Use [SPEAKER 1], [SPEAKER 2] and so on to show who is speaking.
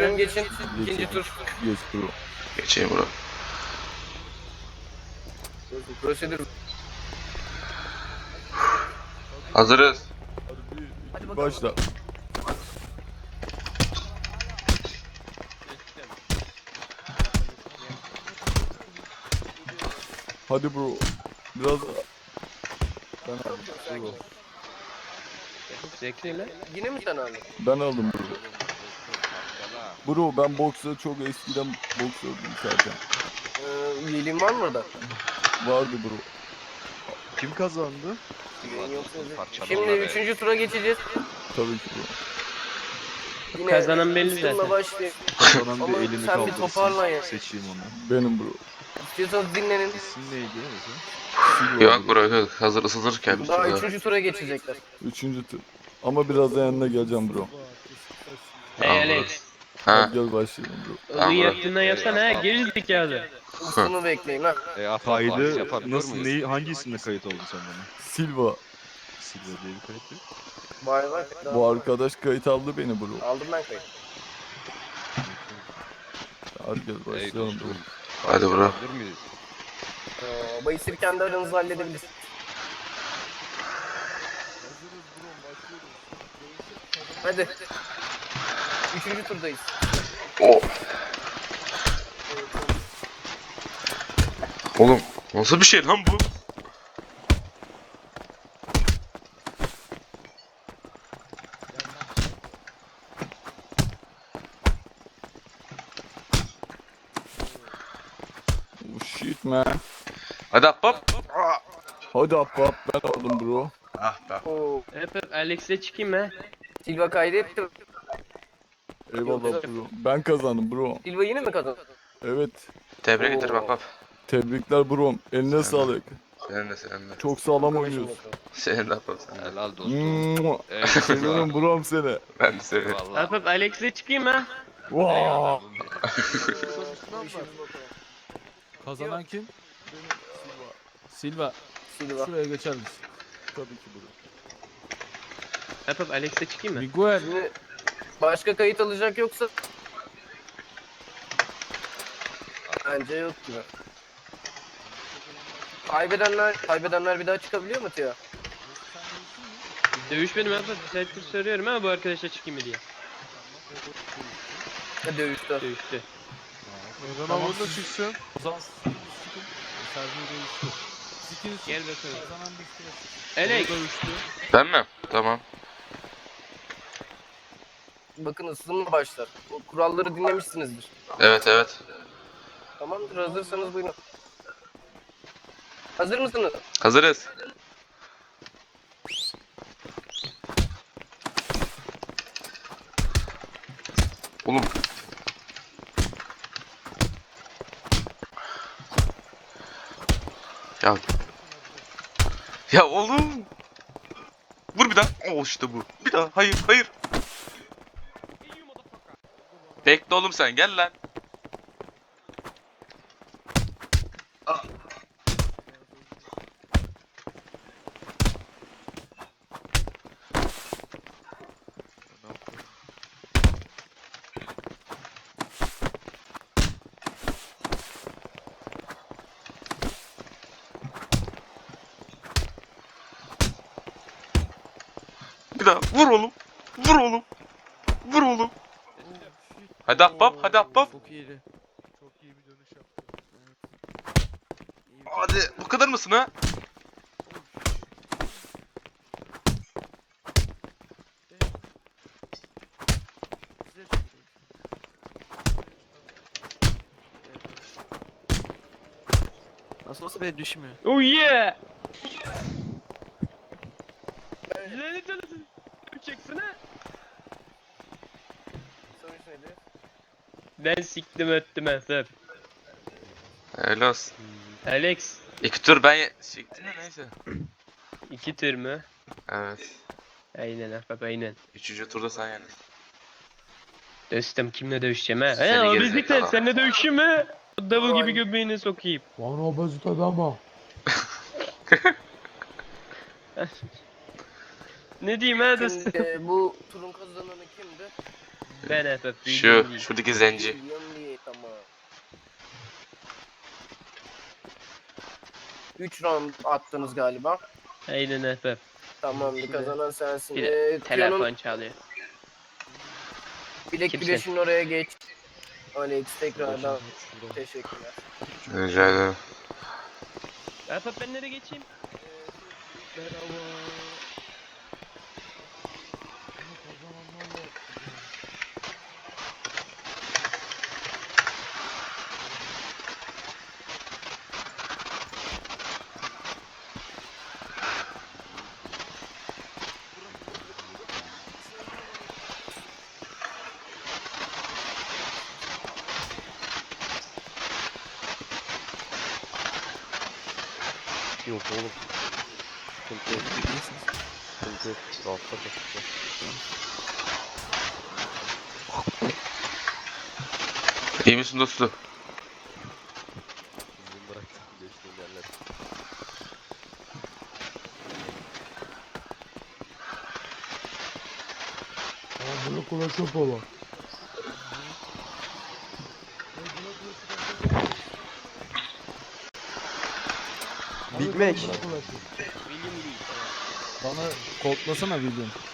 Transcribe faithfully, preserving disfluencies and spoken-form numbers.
[SPEAKER 1] Buyurun geçin. İkinci tur.
[SPEAKER 2] Geç bro.
[SPEAKER 3] Geçeyim bro.
[SPEAKER 1] Prosedür.
[SPEAKER 3] Hazırız.
[SPEAKER 2] Hadi bir başla. Hadi bro. Biraz ben aldım bro.
[SPEAKER 1] Zevkli lan. Yine mi sen aldın?
[SPEAKER 2] Ben aldım bro. Bro ben boksa çok eskiden boksördüm zaten.
[SPEAKER 1] Ee, üyeliğin var mı orada?
[SPEAKER 2] Vardı bro.
[SPEAKER 4] Kim kazandı?
[SPEAKER 1] Şimdi üçüncü tura geçeceğiz.
[SPEAKER 2] Tabii ki bro.
[SPEAKER 1] Yine
[SPEAKER 5] Kazanan belli
[SPEAKER 1] ısınma
[SPEAKER 5] zaten.
[SPEAKER 1] başlayın.
[SPEAKER 4] Kazanan
[SPEAKER 1] Ama
[SPEAKER 4] bir elini
[SPEAKER 1] sen bir
[SPEAKER 4] kaldırsın.
[SPEAKER 1] toparlan ya.
[SPEAKER 4] Seçeyim onu.
[SPEAKER 2] Benim bro.
[SPEAKER 1] İstiyorsanız dinlenin.
[SPEAKER 4] İsim neydi ya bizim?
[SPEAKER 2] Silva
[SPEAKER 3] Yok
[SPEAKER 2] bro.
[SPEAKER 3] bro yok. Hazır ısınırken.
[SPEAKER 1] Daha
[SPEAKER 3] Daha
[SPEAKER 1] üçüncü tura geçecekler.
[SPEAKER 2] Üçüncü tur. Ama biraz da yanına geleceğim bro.
[SPEAKER 5] Hey
[SPEAKER 3] Tamam,
[SPEAKER 5] Alex.
[SPEAKER 3] Ha.
[SPEAKER 2] Hadi gel başlayalım bro.
[SPEAKER 3] Tamam,
[SPEAKER 5] Ilığı
[SPEAKER 3] bro.
[SPEAKER 5] yaptığından yapsana ha. Gerizekalı.
[SPEAKER 1] Isını bekleyin ha.
[SPEAKER 4] E, kaydı nasıl, neyi, hangi isimle kayıt oldun sen bana?
[SPEAKER 2] Silva.
[SPEAKER 4] Silva diye bir kayıt yok.
[SPEAKER 1] Vay vay.
[SPEAKER 2] Bu arkadaş kayıt aldı beni bro.
[SPEAKER 1] Aldım ben kayıt.
[SPEAKER 2] Hadi gel başlayalım bro.
[SPEAKER 3] Hadi bro.
[SPEAKER 1] Ee, Bayısır kendi aranızda halledebilirsiniz. Hadi. Üçüncü turdayız.
[SPEAKER 3] Oh. Oğlum nasıl bir şey lan bu?
[SPEAKER 2] Oh shit man.
[SPEAKER 3] Hadi hop.
[SPEAKER 2] Hadi hop hop ben aldım bro.
[SPEAKER 3] Ah be.
[SPEAKER 1] Oo.
[SPEAKER 5] Hep hep Alex'le çıkayım ha.
[SPEAKER 1] Silva kaydetti.
[SPEAKER 2] Eyvallah bro. Ben kazandım bro.
[SPEAKER 1] Silva yine mi kazandı?
[SPEAKER 2] Evet.
[SPEAKER 3] Tebrik
[SPEAKER 1] Oo.
[SPEAKER 3] ederim hop hop.
[SPEAKER 2] Tebrikler bro. Eline sağlık.
[SPEAKER 3] Senin de senin de.
[SPEAKER 2] Çok sağlam
[SPEAKER 1] Konuşun
[SPEAKER 2] oynuyorsun.
[SPEAKER 1] bakalım.
[SPEAKER 3] Senin de hop hop sen de.
[SPEAKER 6] Helal dostum.
[SPEAKER 2] Mua.
[SPEAKER 6] Evet,
[SPEAKER 2] Seviyorum brom seni.
[SPEAKER 3] Ben de seviyorum.
[SPEAKER 6] Vallahi.
[SPEAKER 5] Hep hep Alex'le çıkayım ha.
[SPEAKER 2] Vaa.
[SPEAKER 7] Kazanan kim? Silva.
[SPEAKER 1] Silva.
[SPEAKER 7] Şuraya geçer misin?
[SPEAKER 2] Tabii ki bro.
[SPEAKER 5] Hep hep Alex'le çıkayım mı?
[SPEAKER 7] Miguel.
[SPEAKER 1] Şimdi başka kayıt alacak yoksa bence yok gibi. Kaybedenler, kaybedenler bir daha çıkabiliyor mu Tia?
[SPEAKER 5] Dövüşmedim hep hep. Bir saattir soruyorum ama bu arkadaşla çıkayım mı diye.
[SPEAKER 1] Ha, dövüşte.
[SPEAKER 5] Dövüştü.
[SPEAKER 4] Neden havada çıksın?
[SPEAKER 7] O zaman çıkın. Servis dövüştü. İkiniz
[SPEAKER 5] Gel bakalım.
[SPEAKER 7] kazanan bir kere.
[SPEAKER 5] Alex.
[SPEAKER 7] Dövüştü.
[SPEAKER 3] Ben mi? Tamam.
[SPEAKER 1] Bakın ısınma başlar. O kuralları dinlemişsinizdir.
[SPEAKER 3] Evet evet.
[SPEAKER 1] Tamamdır, hazırsanız buyurun. Hazır mısınız?
[SPEAKER 3] Hazırız. Oğlum. Ya. Ya oğlum. Vur bir daha. Oh işte bu. Bir daha. Hayır hayır. Bekle oğlum sen gel lan. Ah. Bir daha vur oğlum. Vur oğlum. Vur oğlum. Hadi ahbap, hadi ahbap.
[SPEAKER 7] Çok iyiydi.
[SPEAKER 4] Çok iyi bir dönüş yaptı.
[SPEAKER 3] Hadi bu kadar mısın ha?
[SPEAKER 7] Nasıl olsa beni düşmüyor.
[SPEAKER 5] Oh yeah. Lanet olası. Çeksin ha.
[SPEAKER 1] Sonuç neydi?
[SPEAKER 5] Ben siktim öttüm hep hep.
[SPEAKER 3] Helal olsun.
[SPEAKER 5] Alex.
[SPEAKER 3] İki tur ben ye- siktim de neyse.
[SPEAKER 5] İki tür mü?
[SPEAKER 3] Evet.
[SPEAKER 5] Aynen hep hep aynen.
[SPEAKER 3] Üçüncü turda sen yendin.
[SPEAKER 5] Dostum kimle dövüşeceğim ha?
[SPEAKER 3] Seni
[SPEAKER 5] He o
[SPEAKER 3] gerizekalı.
[SPEAKER 5] bizlikten seninle dövüşeyim mi? Davul gibi
[SPEAKER 1] Vay.
[SPEAKER 5] göbeğine sokayım.
[SPEAKER 7] Lan obezite ama.
[SPEAKER 5] Ne diyeyim ha dostum?
[SPEAKER 1] Şimdi e, bu turun kazananı kimdi?
[SPEAKER 5] Ben F F.
[SPEAKER 3] Şu, şuradaki zenci.
[SPEAKER 1] William Lee, tamam. üç round attınız galiba.
[SPEAKER 5] Aynen F F.
[SPEAKER 1] Tamamdır, kazanan sensin.
[SPEAKER 5] Bir
[SPEAKER 1] Ee,
[SPEAKER 5] de
[SPEAKER 1] Kuyon'un
[SPEAKER 5] telefon çalıyor.
[SPEAKER 1] bilek
[SPEAKER 5] Kimsin?
[SPEAKER 1] güreşinin oraya geç. Alex tekrardan
[SPEAKER 7] Şuradan.
[SPEAKER 1] teşekkürler.
[SPEAKER 3] Rica ederim.
[SPEAKER 5] F F ben nereye geçeyim?
[SPEAKER 7] Merhaba. Bunu kazananlar var.
[SPEAKER 6] Yok oğlum. Sıkıntı yok. Sıkıntı yok. Rahatla kal.
[SPEAKER 3] İyi misin dostum?
[SPEAKER 6] Bizim bıraktım geçtiğim yerler.
[SPEAKER 7] Aa bunu kulak baba.
[SPEAKER 6] Big Mac.
[SPEAKER 5] William Lee.
[SPEAKER 7] Bana kodlasana William.